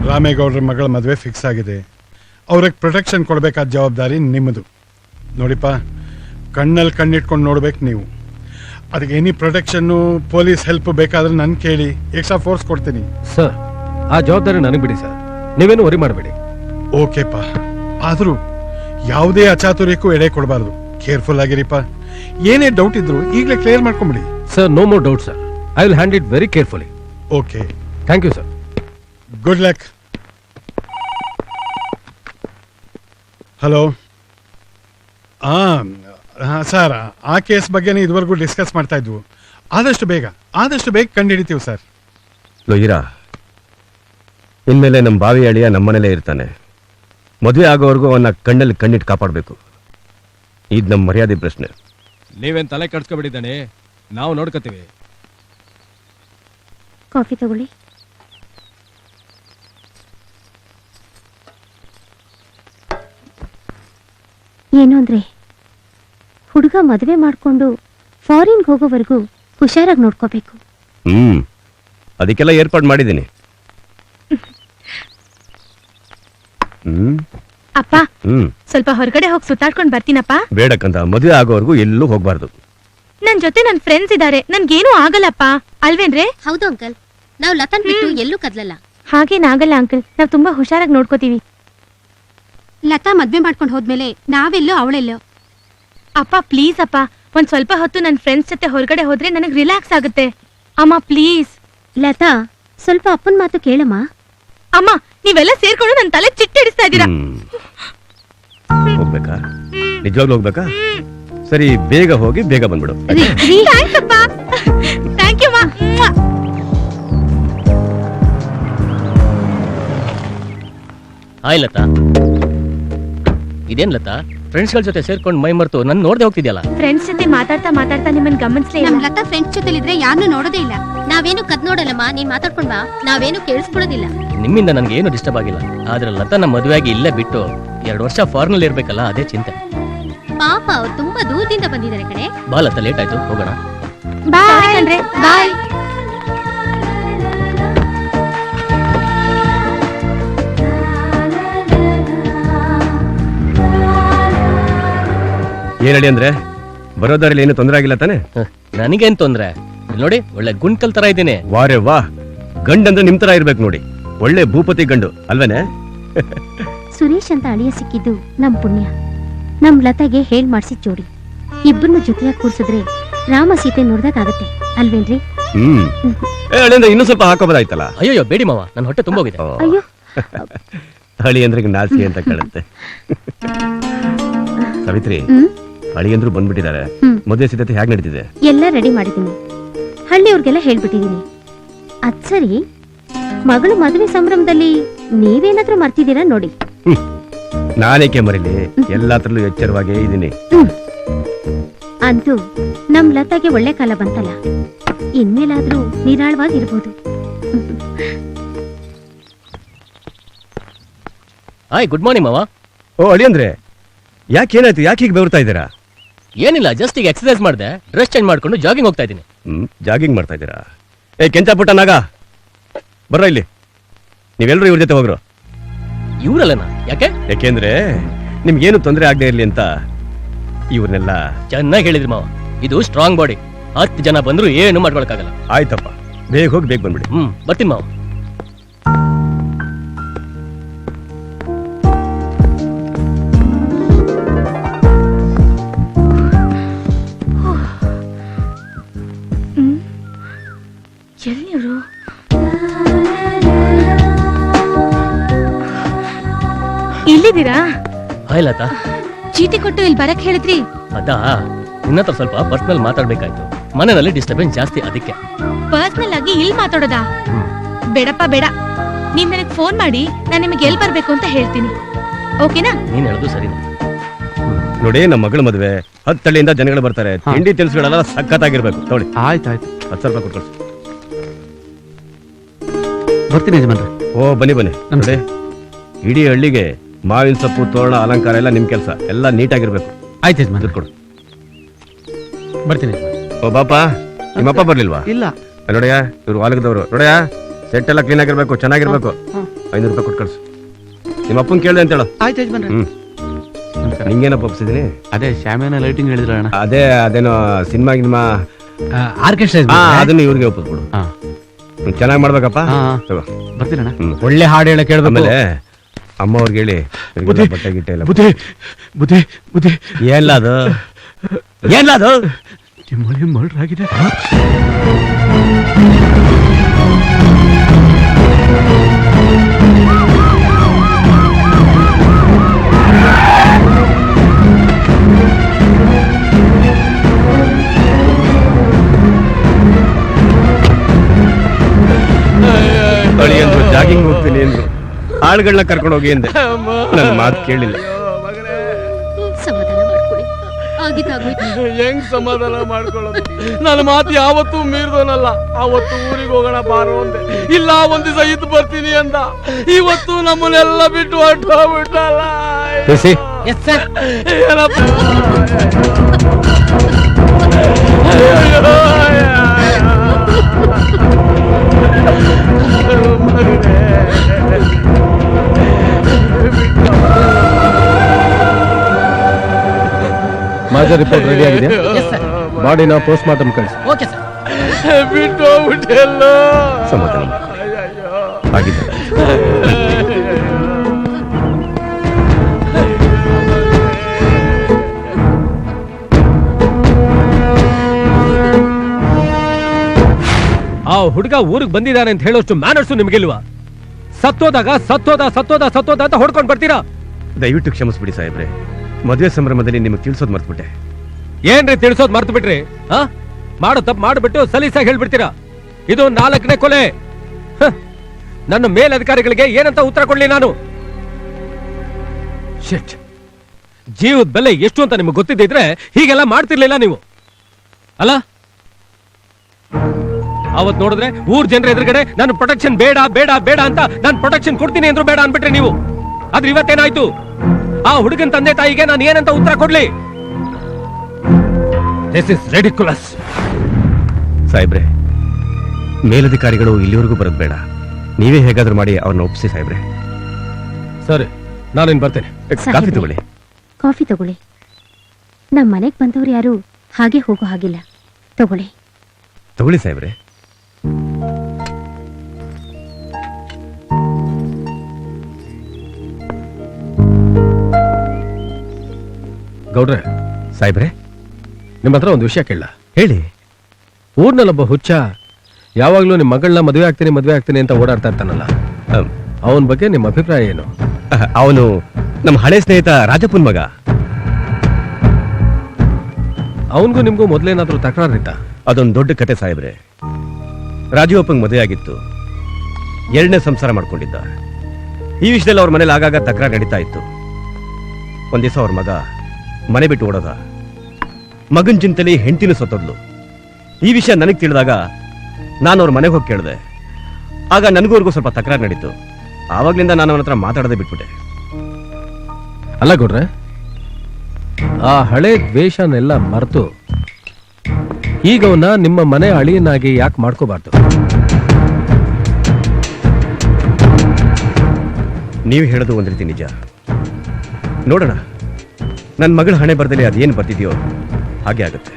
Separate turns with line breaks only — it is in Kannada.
ರಾಮೇಗೌಡರ ಮಗಳ ಮದುವೆ ಫಿಕ್ಸ್ ಆಗಿದೆ. ಅವ್ರಿಗೆ ಪ್ರೊಟೆಕ್ಷನ್ ಕೊಡಬೇಕಾದ ಜವಾಬ್ದಾರಿ ನಿಮ್ಮದು. ನೋಡಿಪ್ಪ, ಕಣ್ಣಲ್ಲಿ ಕಣ್ಣಿಟ್ಕೊಂಡು ನೋಡ್ಬೇಕು ನೀವು. ಅದಕ್ಕೆ ಎನಿ ಪ್ರೊಟೆಕ್ಷನ್ನು, ಪೊಲೀಸ್ ಹೆಲ್ಪ್ ಬೇಕಾದ್ರೆ ನನ್ನ ಕೇಳಿ, ಎಕ್ಸ್ಟ್ರಾ ಫೋರ್ಸ್ ಕೊಡ್ತೀನಿ.
ಸರ್, ಆ ಜವಾಬ್ದಾರಿ ನನಗೆ ಬಿಡಿ ಸರ್, ನೀವೇನು ವರಿ ಮಾಡಬೇಡಿ.
ಓಕೆಪ್ಪ, ಆದರೂ ಯಾವುದೇ ಅಚಾತುರ್ಯಕ್ಕೂ ಎಡೆ ಕೊಡಬಾರ್ದು. ಕೇರ್ಫುಲ್ ಆಗಿರಿಪ್ಪ. ಏನೇ ಡೌಟ್ ಇದ್ರು ಈಗಲೇ ಕ್ಲಿಯರ್ ಮಾಡ್ಕೊಂಬಿಡಿ.
Sir, no more doubt sir. I will hand it very carefully.
Okay,
thank you sir.
Good luck. Hello. ಹಾಂ ಸರ್, ಆ ಕೇಸ್ ಬಗ್ಗೆನೇ ಇದುವರೆಗೂ ಡಿಸ್ಕಸ್ ಮಾಡ್ತಾ ಇದ್ವು. ಆದಷ್ಟು ಬೇಗ ಕಂಡುಹಿಡಿತೀವಿ ಸರ್.
ಲೋಯಿರಾ, ಇನ್ಮೇಲೆ ನಮ್ಮ ಬಾವಿ ಅಳಿಯ ನಮ್ಮನೇಲೇ ಇರ್ತಾನೆ. ಮದುವೆ ಆಗೋವರೆಗೂ ಅವನ್ನ ಕಣ್ಣಲ್ಲಿ ಕಣ್ಣಿಟ್ಟು ಕಾಪಾಡಬೇಕು. ಇದು ನಮ್ಮ ಮರ್ಯಾದೆ ಪ್ರಶ್ನೆ.
ನೀವೇನ್ ತಲೆ ಕಟ್ಸ್ಕೊಬಿಟ್ಟಿದ್ದಾನೆ, ನಾವು ನೋಡ್ಕೋತೀವಿ.
ಕಾಫಿ ತಗೊಳ್ಳಿ. ಏನು ಅಂದ್ರೆ, ಹುಡುಗ ಮದುವೆ ಮಾಡ್ಕೊಂಡು ಫಾರಿನ್ಗೆ ಹೋಗೋವರೆಗೂ ಹುಷಾರಾಗಿ ನೋಡ್ಕೋಬೇಕು.
ಅದಕ್ಕೆಲ್ಲ ಏರ್ಪಾಡು ಮಾಡಿದ್ದೀನಿ.
ಅಪ್ಪ, ಸ್ವಲ್ಪ ಹೊರಗಡೆ ಹೋಗಿ ಸುತ್ತಾಡ್ಕೊಂಡು ಬರ್ತೀನಪ್ಪ.
ಬೇಡಕ್ಕಂತ, ಮದುವೆ ಆಗೋವರೆಗೂ ಎಲ್ಲೂ ಹೋಗ್ಬಾರ್ದು.
ನನ್ ಜೊತೆ ನನ್ ಫ್ರೆಂಡ್ಸ್ ಇದಾರೆ, ನನ್ಗೇನು ಆಗಲ್ಲಪ್ಪ, ಅಲ್ವೇನ್ರೆ?
ಹೌದು ಅಂಕಲ್, ನಾವು ಲತನ್ ಬಿಟ್ಟು ಎಲ್ಲೂ ಕದ್ಲಲ್ಲ.
ಹಾಗೇನಾಗಲ್ಲ ಅಂಕಲ್, ನಾವ್ ತುಂಬಾ ಹುಷಾರಾಗಿ ನೋಡ್ಕೋತೀವಿ.
ಲತಾ ಮದ್ವೆ ಮಾಡ್ಕೊಂಡು ಹೋದ್ಮೇಲೆ ನಾವೆಲ್ಲೋ ಅವಳೆಲ್ಲೋ.
ಅಪ್ಪ ಪ್ಲೀಸ್ ಅಪ್ಪ, ಒಂದ್ ಸ್ವಲ್ಪ ಹೊತ್ತು ನನ್ ಫ್ರೆಂಡ್ಸ್ ಜೊತೆ ಹೊರಗಡೆ ಹೋದ್ರೆ ನನಗ್ ರಿಲ್ಯಾಕ್ಸ್ ಆಗುತ್ತೆ. ಅಮ್ಮ ಪ್ಲೀಸ್.
ಲತಾ, ಸ್ವಲ್ಪ ಅಪ್ಪನ ಮಾತು ಕೇಳಮ್ಮ.
ಅಮ್ಮ, ನೀವೆಲ್ಲ ಸೇರ್ಕೊಂಡು ನನ್ ತಲೆ ಚಿಟ್ಟಿಡಿಸ್ತಾ ಇದ್ದೀರಾ.
ಹೋಗ್ಬೇಕಾ? ನಿಜವಾಗ್ಲೂ ಹೋಗ್ಬೇಕಾ? ಸರಿ, ಬೇಗ ಹೋಗಿ ಬೇಗ ಬಂದ್ಬಿಡು.
ಥ್ಯಾಂಕ್ಸ್ ಅಪ್ಪ. ಥ್ಯಾಂಕ್ ಯು ಮಾ.
ಹಾಯ್ ಲತಾ. ಇದೇನ್ ಲತಾ, ಫ್ರೆಂಡ್ಸ್ಗಳ ಜೊತೆ ಸೇರ್ಕೊಂಡು ಮೈ ಮರ್ತು ನನ್ ನೋಡ್ದೆ ಹೋಗ್ತಿದ್ಯಲ್ಲ.
ಫ್ರೆಂಡ್ಸ್ ಜೊತೆ ಮಾತಾಡ್ತಾ ನಿಮ್ಮನ್ ಗಮನಿಸ್ಲೇ ಇಲ್ಲ.
ನಮ್ ಲತಾ ಫ್ರೆಂಡ್ಸ್ ಜೊತೆಲಿದ್ರೆ ಯಾರನ್ನೂ ನೋಡೋದೇ ಇಲ್ಲ. ನಾವೇನು ಕದ್ ನೋಡಲ್ಲಮ್ಮ, ನೀನ್ ಮಾತಾಡ್ಕೊಂಡ್ ಬಾ, ನಾವೇನು ಕೇಳಿಸ್ಕೊಳ್ಳೋದಿಲ್ಲ.
ನಿಮ್ಮಿಂದ ನನ್ಗೆ ಏನು ಡಿಸ್ಟರ್ಬ್ ಆಗಿಲ್ಲ. ಆದ್ರೆ ಲತಾನ ಮದುವೆಯಾಗಿ ಇಲ್ಲೇ ಬಿಟ್ಟು 2 ವರ್ಷ ಫಾರಿನಲ್ಲಿ ಇರ್ಬೇಕಲ್ಲ, ಅದೇ ಚಿಂತೆ.
ಪಾಪ, ಅವ್ರು ತುಂಬಾ ದೂರದಿಂದ ಬಂದಿದ್ದಾರೆ ಕಣೆ.
ಬಾ ಲತಾ, ಲೇಟ್ ಆಯ್ತು, ಹೋಗೋಣ.
ಬಾಯ್ ಅಂದ್ರೆ ಬಾಯ್.
ಏನ್ ಹೇಳಿ ಅಂದ್ರೆ, ಬರೋದಾರಲ್ಲಿ ಏನು ತೊಂದರೆ ಆಗಿಲ್ಲ ತಾನೆ?
ನನಗೇನ್ ತೊಂದ್ರೆ? ನೋಡಿ, ಒಳ್ಳೆ ಗುಂಡ್ಕಲ್ ತರ ಇದ್ದೀನಿ.
ವಾರೇ ವಾ, ಗಂಡಂದ್ರೆ ನಿಮ್ ತರ ಇರ್ಬೇಕು ನೋಡಿ. ಒಳ್ಳೆ ಭೂಪತಿ ಗಂಡು ಅಲ್ವೇನೆ?
ಸುರೇಶ್ ಅಂತ ಅಳಿಯ ಸಿಕ್ಕಿದ್ದು ನಮ್ ಪುಣ್ಯ. ನಮ್ ಲತಾಗೆ ಹೇಳ್ ಮಾಡ್ಸಿದ್ ಜೋಡಿ. ಇಬ್ಬರನ್ನು ಜೊತೆಯಾಗಿ ಕೂರ್ಸಿದ್ರೆ ರಾಮ ಸೀತೆ ನೋಡ್ದಾಗತ್ತೆ, ಅಲ್ವೇನ್ರಿ?
ಇನ್ನೂ ಸ್ವಲ್ಪ ಹಾಕೋಬೋದಾಯ್ತಲ್ಲ.
ಅಯ್ಯೋ ಬೇಡಿ ಮಾವ, ನನ್ನ ಹೊಟ್ಟೆ ತುಂಬೋಗಿದೆ.
ಅಯ್ಯೋ,
ಹಳಿ ಅಂದ್ರೆ ನಾಚಿಕೆ ಅಂತ ಕಾಣುತ್ತೆ. ಸಾವಿತ್ರಿ, ಹಳಿಯಂದ್ರು ಬಂದ್ಬಿಟ್ಟಿದ್ದಾರೆ. ಮದುವೆ ಸಿದ್ಧತೆ ಹೇಗೆ ನಡೀತಿದೆ?
ಎಲ್ಲ ರೆಡಿ ಮಾಡಿದ್ದೀನಿ. ಹಳ್ಳಿಯವ್ರಿಗೆಲ್ಲ ಹೇಳ್ಬಿಟ್ಟಿದೀನಿ. ಅದ್ ಸರಿ, ಮಗಳು ಮದುವೆ ಸಂಭ್ರಮದಲ್ಲಿ ನೀವೇನಾದ್ರೂ ಮರ್ತಿದ್ದೀರಾ ನೋಡಿ.
ನಾನೇಕೆ ಮರಿಲಿ, ಎಲ್ಲಾತ್ರಲ್ಲೂ ಎಚ್ಚರವಾಗೇ ಇದ್ದೀನಿ.
ಅಂತೂ ನಮ್ ಲತಾಗೆ ಒಳ್ಳೆ ಕಾಲ ಬಂತಲ್ಲ, ಇನ್ಮೇಲಾದ್ರೂ ನಿರಾಳವಾಗಿರ್ಬೋದು.
ಹಾಯ್, ಗುಡ್ ಮಾರ್ನಿಂಗ್ ಮಾವ.
ಓ ಅಳಿ ಅಂದ್ರೆ, ಯಾಕೇನಾಯ್ತು? ಯಾಕೆ ಹೀಗೆ ಬೆವರ್ತಾ ಇದ್ದೀರಾ?
ಏನಿಲ್ಲ, ಜಸ್ಟ್ ಈಗ ಎಕ್ಸರ್ಸೈಸ್ ಮಾಡಿದೆ, ಡ್ರೆಸ್ ಚೇಂಜ್ ಮಾಡ್ಕೊಂಡು ಜಾಗಿಂಗ್ ಹೋಗ್ತಾ ಇದ್ದೀನಿ.
ಜಾಗಿಂಗ್ ಮಾಡ್ತಾ ಇದ್ದೀರಾ? ಏ ಕೆಂಚ ಪುಟ್ಟ ನಾಗ, ಬರ್ರ ಇಲ್ಲಿ. ನೀವೆಲ್ಲರೂ ಇವ್ರ ಜೊತೆ ಹೋಗ್ರು.
ಇವ್ರಲ್ಲನಾ? ಯಾಕೆ?
ಯಾಕೆಂದ್ರೆ ನಿಮ್ಗೇನು ತೊಂದರೆ ಆಗದೆ ಇರ್ಲಿ ಅಂತ ಇವ್ರನ್ನೆಲ್ಲ.
ಚೆನ್ನಾಗಿ ಹೇಳಿದ್ರಿ ಮಾವ, ಇದು ಸ್ಟ್ರಾಂಗ್ ಬಾಡಿ. 10 ಜನ ಬಂದ್ರು ಏನು ಮಾಡ್ಕೊಳಕ್ಕಾಗಲ್ಲ.
ಆಯ್ತಪ್ಪ, ಬೇಗ ಹೋಗಿ ಬೇಗ ಬಂದ್ಬಿಡಿ.
ಬರ್ತೀನಿ ಮಾವ.
ಎಲ್ಲಿವರು? ಇಲ್ಲಿದ್ದೀರಾ?
ಹಾಯ್ ಲತಾ.
ಚೀಟಿ ಕೊಟ್ಟು ಇಲ್ಲಿ ಬರಕ್ ಹೇಳಿದ್ರಿ.
ಅದಾ, ನಿನ್ನತ್ರ ಸ್ವಲ್ಪ ಪರ್ಸನಲ್ ಮಾತಾಡ್ಬೇಕಾಯ್ತು. ಮನೆಯಲ್ಲಿ ಡಿಸ್ಟರ್ಬೆನ್ಸ್ ಜಾಸ್ತಿ, ಅದಕ್ಕೆ.
ಪರ್ಸನಲ್ ಆಗಿ ಇಲ್ಲಿ ಮಾತಾಡೋದಾ? ಬೇಡಪ್ಪ ಬೇಡ. ನೀವ್ ನನಗೆ ಫೋನ್ ಮಾಡಿ, ನಾನು ನಿಮಗೆ ಎಲ್ಲಿ ಬರ್ಬೇಕು ಅಂತ ಹೇಳ್ತೀನಿ. ಓಕೆನಾ?
ನೀನ್ ಹೇಳೋದು ಸರಿನಾ?
ನೋಡಿ, ನಮ್ಮ ಮಗಳ ಮದುವೆ 10 ಹಳ್ಳಿಯಿಂದ ಜನಗಳು ಬರ್ತಾರೆ. ತಿಂಡಿ ತಿನಿಸುಗಳೆಲ್ಲ ಸಖತ್ತಾಗಿರ್ಬೇಕು. ನೋಡಿ.
ಆಯ್ತಾಯ್ತು.
10 ರೂಪಾಯಿ ಕೊಟ್ಕೊಳ್ಸಿ.
ಬರ್ತೀನಿ ಯಜಮಾನ್ರೆ.
ಓ ಬನ್ನಿ ಬನ್ನಿ. ನೋಡಿ, ಇಡೀ ಹಳ್ಳಿಗೆ ಮಾವಿನ ಸೊಪ್ಪು, ತೋರಣ, ಅಲಂಕಾರ ಎಲ್ಲ ನಿಮ್ ಕೆಲಸ. ಎಲ್ಲ ನೀಟಾಗಿರ್ಬೇಕು.
ಆಯ್ತು ಯಜಮಾನ್ರೆ.
ಕೊಡು.
ಬರ್ತೀನಿ.
ಓ ಬಾಪ, ನಿಮ್ಮಪ್ಪ ಬರ್ಲಿಲ್ವಾ?
ಇಲ್ಲ.
ನೋಡಯ್ಯ, ಇವ್ರು ವಾಲಗದವರು. ನೋಡಯ್ಯ, ಸೆಟ್ ಎಲ್ಲ ಕ್ಲೀನ್ ಆಗಿರ್ಬೇಕು, ಚೆನ್ನಾಗಿರ್ಬೇಕು. 500 ರೂಪಾಯಿ ಕೊಟ್ಟು ಕಳ್ಸು. ನಿಮ್ಮ ಅಪ್ಪನ್ ಕೇಳಿದೆ ಅಂತ ಹೇಳು.
ಆಯ್ತು ಯಜಮಾನ್ರೆ.
ನಿಂಗೇನಪ್ಪ ಒಪ್ಸಿದೀನಿ?
ಅದೇ ಶಾಮಿಯಾನ ಲೈಟಿಂಗ್ ಹೇಳಿದ್ರ ಅಣ್ಣ.
ಅದೇನೋ ಸಿನಿಮಾ ಗಿನ್ಮಾ
ಆರ್ಕೆಸ್ಟ್ರಾ
ಅದನ್ನ ಇವ್ರಿಗೆ ಒಪ್ಪಿಸ್ಬಿಡು. ಚೆನ್ನಾಗಿ ಮಾಡ್ಬೇಕಪ್ಪ. ತಗೋ.
ಬರ್ತೀರಣ್ಣ.
ಒಳ್ಳೆ ಹಾಡು ಹೇಳ ಕೇಳ್ಬೇಕು.
ಆಮೇಲೆ ಅಮ್ಮ ಅವ್ರಿಗೆ ಹೇಳಿ ಇವ್ರಿಗೆಲ್ಲ ಬಟ್ಟೆ ಗಿಟ್ಟೆ ಎಲ್ಲ.
ಬುದ್ಧಿ ಬುದ್ಧಿ ಬುದ್ಧಿ
ಏನ್ಲ ಅದು? ಏನ್ಲ ಅದು?
ನಿಮ್ಮಲ್ಲಿ ಮರ್ಡರ್ ಆಗಿದೆ.
ಜಾಗಿಂಗ್ ಹೋಗ್ತೀನಿ ಅಂದ್ರು, ಆಳುಗಳನ್ನ ಕರ್ಕೊಂಡು ಹೋಗಿ ಅಂದೆ. ನನ್ನ ಮಾತು ಕೇಳಿಲ್ಲ.
ಸಮಾಧಾನ ಮಾಡ್ಕೊಳ್ಳಿ, ಆಗಿದ್ದಾಗೋಯ್ತು.
ಹೆಂಗ್ ಸಮಾಧಾನ ಮಾಡ್ಕೊಳ್ಳೋದು? ನನ್ನ ಮಾತು ಯಾವತ್ತೂ ಮೀರ್ದೋನಲ್ಲ. ಅವತ್ತು ಊರಿಗೆ ಹೋಗೋಣ ಬಾರೋ ಅಂದೆ, ಇಲ್ಲ ಒಂದ್ ದಿವಸ ಇದ್ದು ಬರ್ತೀನಿ ಅಂದ. ಇವತ್ತು ನಮ್ಮನ್ನೆಲ್ಲ ಬಿಟ್ಟು ಹೊರಟೋಗ್ಬಿಟ್ಟಲ್ಲ. ಏನಪ್ಪ
ಮಾಜರ್ ರಿಪೋರ್ಟ್ ರೆಡಿ ಆಗಿದೆ. ಬಾಡಿನ ಪೋಸ್ಟ್ ಮಾರ್ಟಮ್ ಕಳಿಸಿ.
Okay sir.
ಬಿಟ್ಟು ಹೋಗ್ಬಿಟ್ಟೆಲ್ಲ.
ಸಮಾಧಾನ ಆಗಿದ್ದ.
ಆ ಹುಡುಗ ಊರಿಗೆ ಬಂದಿದ್ದಾನೆ ಅಂತ ಹೇಳೋಷ್ಟು ಮ್ಯಾನರ್ಸು ನಿಮ್ಗಿಲ್ವಾ? ಸತ್ತೋದಾಗ ಸತ್ತೋದ ಸತ್ತೋದ ಸತ್ತೋದ ಅಂತ ಹೊಡ್ಕೊಂಡು ಬರ್ತೀರಾ?
ದಯವಿಟ್ಟು ಕ್ಷಮಿಸ್ಬಿಡಿ ಸಾಹೇಬ್ರೆ, ಮದುವೆ ಸಂಭ್ರಮದಲ್ಲಿ ನಿಮಗೆ ತಿಳಿಸೋದು ಮರ್ತ್ಬಿಟ್ಟೆ.
ಏನ್ರಿ ತಿಳಿಸೋದ್ ಮರ್ತು ಬಿಟ್ರಿ? ಮಾಡೋ ತಪ್ಪು ಮಾಡ್ಬಿಟ್ಟು ಸಲೀಸಾಗಿ ಹೇಳ್ಬಿಡ್ತೀರಾ? ಇದು 4ನೇ ಕೊಲೆ. ನನ್ನ ಮೇಲಧಿಕಾರಿಗಳಿಗೆ ಏನಂತ ಉತ್ತರ ಕೊಡ್ಲಿ ನಾನು? ಶಿಟ್, ಜೀವದ ಬೆಲೆ ಎಷ್ಟು ಅಂತ ನಿಮ್ಗೆ ಗೊತ್ತಿದ್ದಿದ್ರೆ ಹೀಗೆಲ್ಲ ಮಾಡ್ತಿರ್ಲಿಲ್ಲ ನೀವು ಅಲ್ಲ? ಅವತ್ ನೋಡಿದ್ರೆ ಊರ್ ಜನರ ಎದುರುಗಡೆ ನಾನು ಪ್ರೊಟೆಕ್ಷನ್ ಬೇಡ ಬೇಡ ಬೇಡ ಅಂತ ನಾನು ಪ್ರೊಟೆಕ್ಷನ್ ಕೊಡ್ತೀನಿ ಅಂದ್ರೂ ಬೇಡ ಅನ್ಬಿಟ್ರೆ ನೀವು. ಆದ್ರೆ ಇವತ್ತೇನಾಯ್ತು? ಆ ಹುಡುಗನ ತಂದೆ ತಾಯಿಗೆ ನಾನು ಏನಂತ ಉತ್ತರ ಕೊಡ್ಲಿ? This is ridiculous.
ಸಾಹೇಬ್ರೆ, ಮೇಲಧಿಕಾರಿಗಳು ಇಲ್ಲಿವರೆಗೂ ಬರೋದು ಬೇಡ, ನೀವೇ ಹೇಗಾದ್ರೂ ಮಾಡಿ ಅವ್ರನ್ನ ಒಪ್ಪಿಸಿ ಸಾಹೇಬ್ರೆ.
ಸರಿ, ನಾನಿನ್ ಬರ್ತೇನೆ.
ಕಾಫಿ ತಗೊಳ್ಳಿ.
ಕಾಫಿ ತಗೊಳ್ಳಿ. ನಮ್ಮ ಮನೆಗೆ ಬಂದವ್ರು ಯಾರು ಹಾಗೆ ಹೋಗೋ ಹಾಗಿಲ್ಲ. ತಗೊಳ್ಳಿ
ತಗೊಳ್ಳಿ ಸಾಹೇಬ್ರೆ.
ಗೌಡ್ರೆ,
ಸಾಹೇಬ್ರೆ,
ನಿಮ್ಮ ಹತ್ರ ಒಂದು ವಿಷಯ ಕೇಳ.
ಹೇಳಿ.
ಊರ್ನಲ್ಲೊಬ್ಬ ಹುಚ್ಚ ಯಾವಾಗ್ಲೂ ನಿಮ್ಮ ಮಗಳನ್ನ ಮದುವೆ ಆಗ್ತೀನಿ ಅಂತ ಓಡಾಡ್ತಾ ಇರ್ತಾನಲ್ಲ, ಅವನ ಬಗ್ಗೆ ನಿಮ್ಮ ಅಭಿಪ್ರಾಯ ಏನು?
ಅವನು ನಮ್ಮ ಹಳೆ ಸ್ನೇಹಿತ ರಾಜಪ್ಪನ್ ಮಗ.
ಅವನಿಗೂ ನಿಮ್ಗೂ ಮೊದಲೇನಾದ್ರೂ ತಕರಾರಿತ್ತ?
ಅದೊಂದು ದೊಡ್ಡ ಕತೆ ಸಾಹೇಬ್ರೆ. ರಾಜೀವಪ್ಪಂಗೆ ಮದುವೆ ಆಗಿತ್ತು, 2ನೇ ಸಂಸಾರ ಮಾಡ್ಕೊಂಡಿದ್ದ. ಈ ವಿಷಯದಲ್ಲಿ ಅವ್ರ ಮನೇಲಿ ಆಗಾಗ ತಕರಾರು ನಡೀತಾ ಇತ್ತು. ಒಂದ್ ದಿವಸ ಅವ್ರ ಮಗ ಮನೆ ಬಿಟ್ಟು ಓಡೋದ. ಮಗನ್ ಚಿಂತೆಲಿ ಹೆಂಡತಿನೂ ಸತ್ತೋದ್ಲು. ಈ ವಿಷಯ ನನಗೆ ತಿಳಿದಾಗ ನಾನು ಅವ್ರ ಮನೆಗೆ ಹೋಗಿ ಕೇಳಿದೆ. ಆಗ ನನಗೂ ಅವ್ರಿಗೂ ಸ್ವಲ್ಪ ತಕರಾರು ನಡೀತು. ಆವಾಗ್ಲಿಂದ ನಾನು ಅವನ ಹತ್ರ ಮಾತಾಡದೆ ಬಿಟ್ಬಿಟ್ಟೆ.
ಅಲ್ಲ ಗೌಡ್ರೆ, ಆ ಹಳೆ ದ್ವೇಷನೆಲ್ಲ ಮರೆತು ಈಗ ಅವನ್ನ ನಿಮ್ಮ ಮನೆ ಅಳಿಯನಾಗಿ ಯಾಕೆ ಮಾಡ್ಕೋಬಾರ್ದು?
ನೀವು ಹೇಳೋದು ಒಂದ್ ರೀತಿ ನಿಜ. ನೋಡೋಣ, ನನ್ನ ಮಗಳ ಹಣೆ ಬರ್ದಲ್ಲಿ ಅದೇನು ಬರ್ತಿದೆಯೋ ಹಾಗೆ ಆಗುತ್ತೆ.